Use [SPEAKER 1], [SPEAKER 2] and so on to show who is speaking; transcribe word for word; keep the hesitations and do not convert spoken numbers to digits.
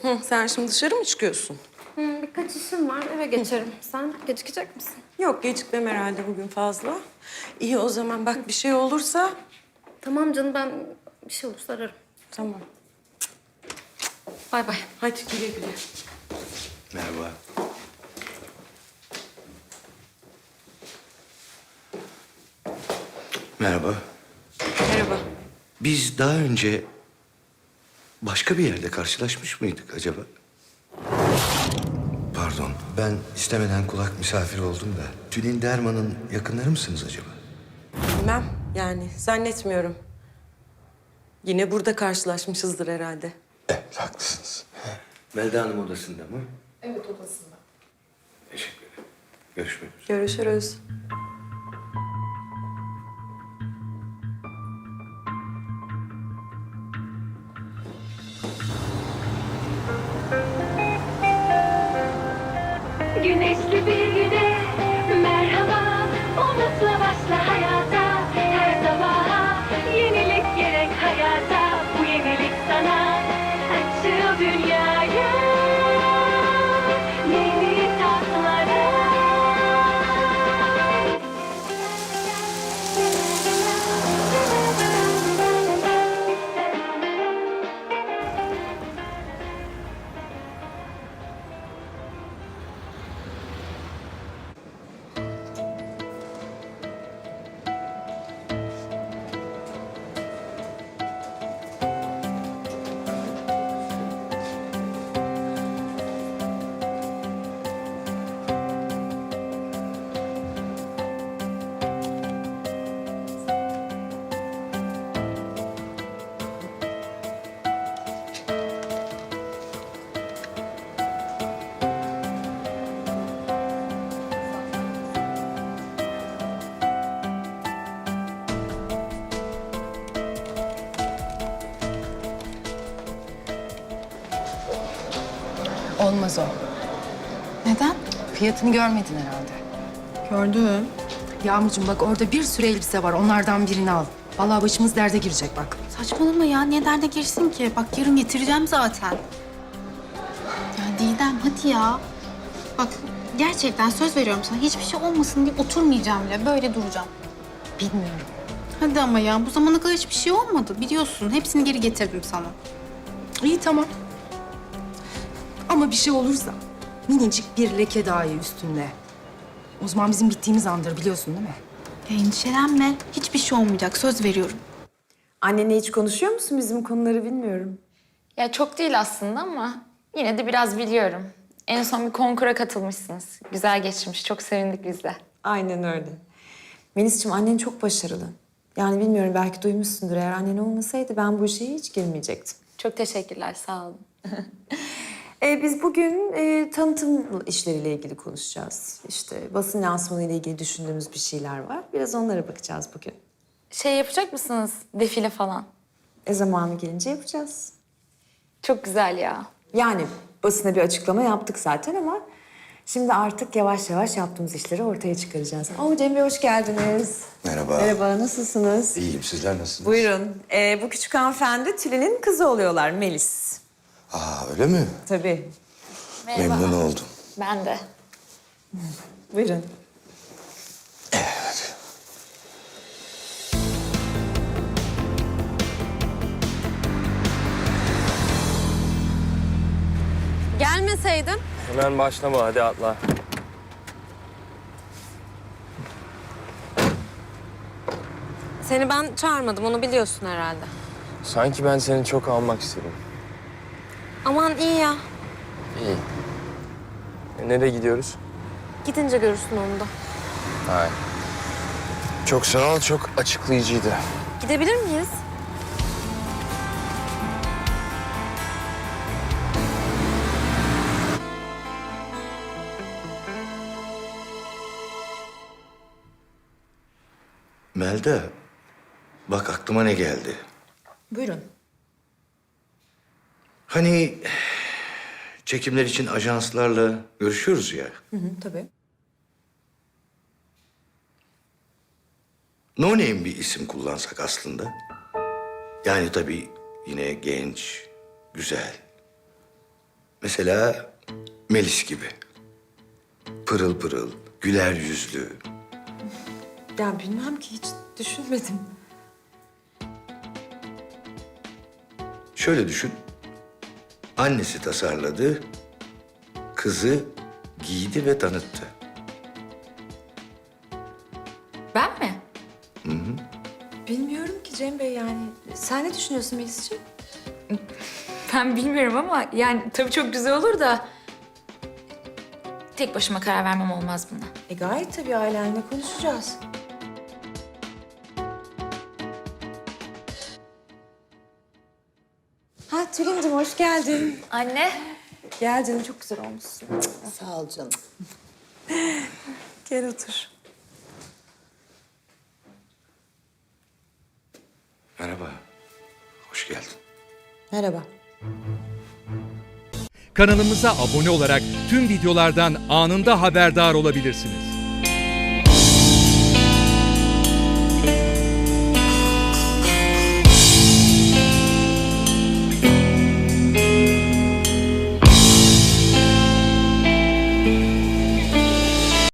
[SPEAKER 1] Hı, sen şimdi dışarı mı çıkıyorsun?
[SPEAKER 2] Hı, birkaç işim var. Eve geçerim. Sen gecikecek misin?
[SPEAKER 1] Yok, gecikmem herhalde bugün fazla. İyi o zaman bak bir şey olursa...
[SPEAKER 2] Tamam canım, ben bir şey olursa ararım.
[SPEAKER 1] Tamam.
[SPEAKER 2] Bay bay.
[SPEAKER 1] Hadi güle güle.
[SPEAKER 3] Merhaba. Merhaba.
[SPEAKER 1] Merhaba.
[SPEAKER 3] Biz daha önce başka bir yerde karşılaşmış mıydık acaba? Pardon, ben istemeden kulak misafir oldum da. Tülin Derman'ın yakınları mısınız acaba?
[SPEAKER 1] Bilmem yani zannetmiyorum. Yine burada karşılaşmışızdır herhalde.
[SPEAKER 3] Evet, haklısınız. Melda Hanım odasında mı?
[SPEAKER 4] Evet, odasında.
[SPEAKER 3] Teşekkür ederim. Görüşmek üzere.
[SPEAKER 1] Görüşürüz.
[SPEAKER 5] Güneşli bir güne merhaba, umutla başla hayata. Her sabaha yenilik gerek hayata. Bu yenilik sana açıl dünyaya, yeni tatlara.
[SPEAKER 4] Olmaz o.
[SPEAKER 2] Neden?
[SPEAKER 4] Fiyatını görmedin herhalde.
[SPEAKER 2] Gördüm.
[SPEAKER 4] Yağmurcuğum bak orada bir sürü elbise var. Onlardan birini al. Vallahi başımız derde girecek bak.
[SPEAKER 2] Saçmalama ya. Niye derde girsin ki? Bak yarın getireceğim zaten. Ya Didem hadi ya. Bak gerçekten söz veriyorum sana. Hiçbir şey olmasın diye oturmayacağım bile. Böyle duracağım.
[SPEAKER 4] Bilmiyorum.
[SPEAKER 2] Hadi ama ya. Bu zamana kadar hiçbir şey olmadı. Biliyorsun. Hepsini geri getirdim sana.
[SPEAKER 4] İyi tamam. Ama bir şey olursa minicik bir leke dahi üstünde. O zaman bizim bittiğimiz andır biliyorsun değil mi?
[SPEAKER 2] Ya endişelenme. Hiçbir şey olmayacak. Söz veriyorum.
[SPEAKER 6] Annenle hiç konuşuyor musun? Bizim konuları bilmiyorum.
[SPEAKER 7] Ya çok değil aslında ama yine de biraz biliyorum. En son bir konkura katılmışsınız. Güzel geçmiş. Çok sevindik biz de.
[SPEAKER 6] Aynen öyle. Melis'ciğim annen çok başarılı. Yani bilmiyorum belki duymuşsundur. Eğer annen olmasaydı ben bu işe hiç girmeyecektim.
[SPEAKER 7] Çok teşekkürler. Sağ olun.
[SPEAKER 6] Ee, biz bugün e, tanıtım işleriyle ilgili konuşacağız. İşte basın lansmanı ile ilgili düşündüğümüz bir şeyler var. Biraz onlara bakacağız bugün.
[SPEAKER 7] Şey yapacak mısınız? Defile falan.
[SPEAKER 6] E zamanı gelince yapacağız.
[SPEAKER 7] Çok güzel ya.
[SPEAKER 6] Yani basına bir açıklama yaptık zaten ama şimdi artık yavaş yavaş yaptığımız işleri ortaya çıkaracağız. Oo Cem Bey hoş geldiniz.
[SPEAKER 3] Merhaba.
[SPEAKER 6] Merhaba, nasılsınız?
[SPEAKER 3] İyiyim, sizler nasılsınız?
[SPEAKER 6] Buyurun. Ee, bu küçük hanımefendi Tülin'in kızı oluyorlar, Melis.
[SPEAKER 3] Aa, öyle mi?
[SPEAKER 6] Tabii.
[SPEAKER 3] Memnun oldum.
[SPEAKER 7] Ben de.
[SPEAKER 6] Buyurun.
[SPEAKER 2] Gelmeseydin.
[SPEAKER 8] Hemen başlama, hadi atla.
[SPEAKER 2] Seni ben çağırmadım. Onu biliyorsun herhalde.
[SPEAKER 8] Sanki ben seni çok almak istedim.
[SPEAKER 2] Aman iyi ya.
[SPEAKER 8] İyi. E, nereye gidiyoruz?
[SPEAKER 2] Gidince görürsün onu da.
[SPEAKER 8] Hayır. Çok sağ ol, çok açıklayıcıydı.
[SPEAKER 2] Gidebilir miyiz?
[SPEAKER 3] Melda, bak aklıma ne geldi.
[SPEAKER 6] Buyurun.
[SPEAKER 3] Hani çekimler için ajanslarla görüşüyoruz ya.
[SPEAKER 6] Hı hı, tabii.
[SPEAKER 3] No name bir isim kullansak aslında. Yani tabii yine genç, güzel. Mesela Melis gibi. Pırıl pırıl, güler yüzlü.
[SPEAKER 6] Ya bilmem ki hiç düşünmedim.
[SPEAKER 3] Şöyle düşün. Annesi tasarladı, kızı giydi ve tanıttı.
[SPEAKER 7] Ben mi?
[SPEAKER 6] Bilmiyorum ki Cem Bey yani. Sen ne düşünüyorsun Melis'ciğim?
[SPEAKER 7] Ben bilmiyorum ama yani tabii çok güzel olur da... Tek başıma karar vermem olmaz buna.
[SPEAKER 6] E gayet tabii ailenle konuşacağız. Ha Tülin'cim hoş geldin.
[SPEAKER 7] Anne.
[SPEAKER 6] Gel canım çok güzel olmuşsun.
[SPEAKER 1] Sağ ol canım.
[SPEAKER 6] Gel otur.
[SPEAKER 3] Merhaba, hoş geldin.
[SPEAKER 6] Merhaba.
[SPEAKER 9] Kanalımıza abone olarak tüm videolardan anında haberdar olabilirsiniz.